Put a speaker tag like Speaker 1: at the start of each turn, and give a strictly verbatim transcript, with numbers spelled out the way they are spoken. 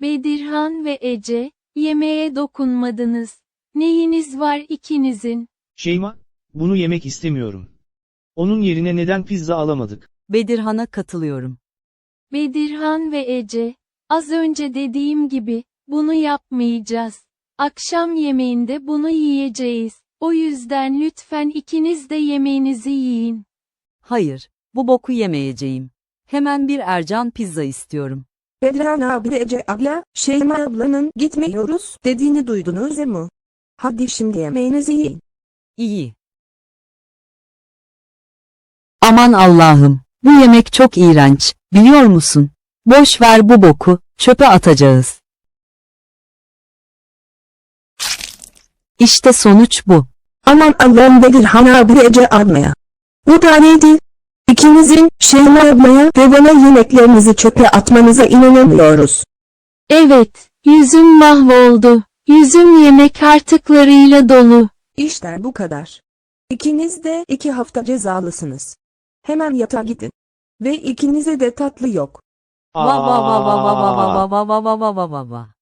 Speaker 1: Bedirhan ve Ece, yemeğe dokunmadınız. Neyiniz var ikinizin?
Speaker 2: Şeyma, bunu yemek istemiyorum. Onun yerine neden pizza alamadık?
Speaker 3: Bedirhan'a katılıyorum.
Speaker 1: Bedirhan ve Ece, az önce dediğim gibi, bunu yapmayacağız. Akşam yemeğinde bunu yiyeceğiz. O yüzden lütfen ikiniz de yemeğinizi yiyin.
Speaker 3: Hayır, bu boku yemeyeceğim. Hemen bir Ercan pizza istiyorum.
Speaker 4: Bedirhan abi ve Ece abla, Şeyma ablanın gitmiyoruz dediğini duydunuz mu? Hadi şimdi yemeğinizi yiyin.
Speaker 3: İyi. Aman Allah'ım, bu yemek çok iğrenç, biliyor musun? Boş ver bu boku, çöpe atacağız. İşte sonuç bu.
Speaker 4: Aman Allah'ım Bedirhan abi ve Ece ablaya. Bu da neydi? İkinizin Şeyma ablaya ve bana yemeklerinizi çöpe atmanıza inanamıyoruz.
Speaker 1: Evet, yüzüm mahvoldu. Yüzüm yemek artıklarıyla dolu.
Speaker 4: İşte bu kadar. İkiniz de iki hafta cezalısınız. Hemen yatağa gidin. Ve ikinize de tatlı yok.
Speaker 3: Va va va va va va va va va va va va va va.